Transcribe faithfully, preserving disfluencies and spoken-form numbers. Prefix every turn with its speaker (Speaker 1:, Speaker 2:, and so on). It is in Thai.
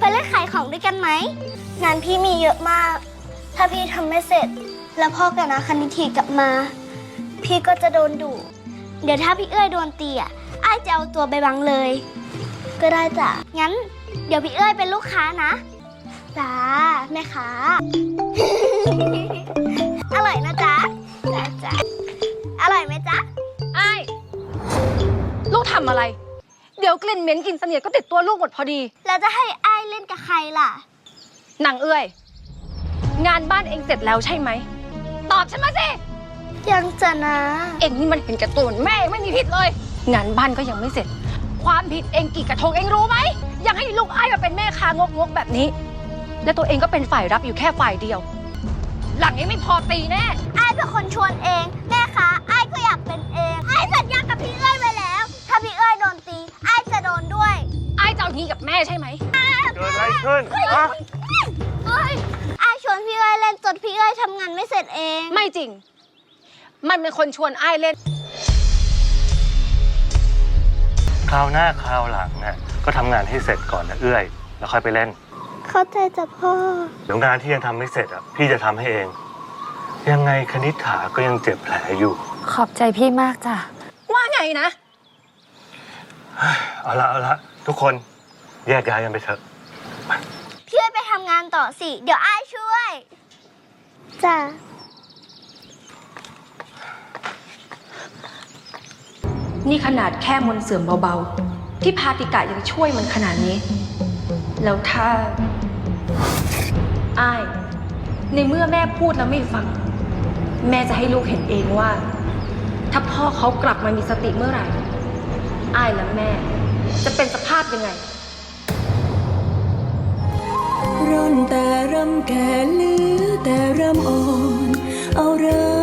Speaker 1: เล่นขายของด้วยกันไหมงานพี่มีเยอะมาก ถ้าพี่ทำไม่เสร็จ แล้วพ่อกับนาคณิธีกลับมา พี่ก็จะโดนดุเดี๋ยวถ้าพี่เอ้ยโดนตีอ่ะอ้ายจะเอาตัวไปบังเลย ก็ได้จ้ะงั้น เดี๋ยวพี่เอ้ยเป็นลูกค้านะจ้าแม่ค้า อร่อยนะจ๊ะจ้าจ้าอร่อยไหมจ๊ะ
Speaker 2: ไอ้ลูกทำอะไรเดี๋ยวกลิ่นเหม็นกลิ่นเสนียดก็ติดตัวลูกหมดพอดี
Speaker 1: แล้วจะให้อ้ายเล่นกับใครล่ะ
Speaker 2: นางเอ้ยงานบ้านเองเสร็จแล้วใช่ไหมตอบฉันมาสิ
Speaker 1: ยังจะนะ
Speaker 2: เองนี่มันเห็นแก่ตัวเหมือนแม่ไม่มีผิดเลยงานบ้านก็ยังไม่เสร็จความผิดเองกี่กระทงเองรู้ไหมยังให้ลูกอ้ายมาเป็นแม่ค้างกๆแบบนี้และตัวเองก็เป็นฝ่ายรับอยู่แค่ฝ่ายเดียวหลังนี้ไม่พอตีแน่
Speaker 1: อ้ายเป็นคนชวนเองแม่คะอ้ายก็อยากเป็นเองอ้ายสัญญากับพี่เอ้ยไว้แล้วถ้าพี่เอ้ยโดนตีอ้ายจะโดนด้วย
Speaker 2: อ้ายจะเอางี้กับแม่ใช่ไหม
Speaker 3: เกิดอะไรขึ้นฮะ
Speaker 1: เอ้ยอ้ายชวนพี่เอ้ยเล่นจนพี่เอ้ยทำงานไม่เสร็จเอง
Speaker 2: ไม่จริงมันเป็นคนชวนอ้ายเล่น
Speaker 3: คราวหน้าคราวหลังน่ะก็ทำงานให้เสร็จก่อนนะเอื้อยแล้วค่อยไปเล่น
Speaker 1: เข้าใจจ้ะพ่อ
Speaker 3: เดี๋ยวงานที่ยังทำไม่เสร็จอ่ะพี่จะทำให้เองยังไงคณิษฐาก็ยังเจ็บแผลอยู่
Speaker 4: ขอบใจพี่มากจ้ะ
Speaker 2: ว่าไงนะ
Speaker 3: เอาละเอาละทุกคนแยกย้ายกันไปเถอะ
Speaker 1: พี่เอ้ยไปทำงานต่อสิเดี๋ยวอ้ายช่วยจ้ะ
Speaker 2: นี่ขนาดแค่มนต์เสื่อมเบาๆที่พาติกะยังช่วยมันขนาดนี้แล้วถ้าอ้ายในเมื่อแม่พูดแล้วไม่ฟังแม่จะให้ลูกเห็นเองว่าถ้าพ่อเขากลับมามีสติเมื่อไหร่อ้ายและแม่จะเป็นสภาพยังไง
Speaker 5: ร่อนแต่รำแก่เหลือแต่รำอ่อนเอาเริ่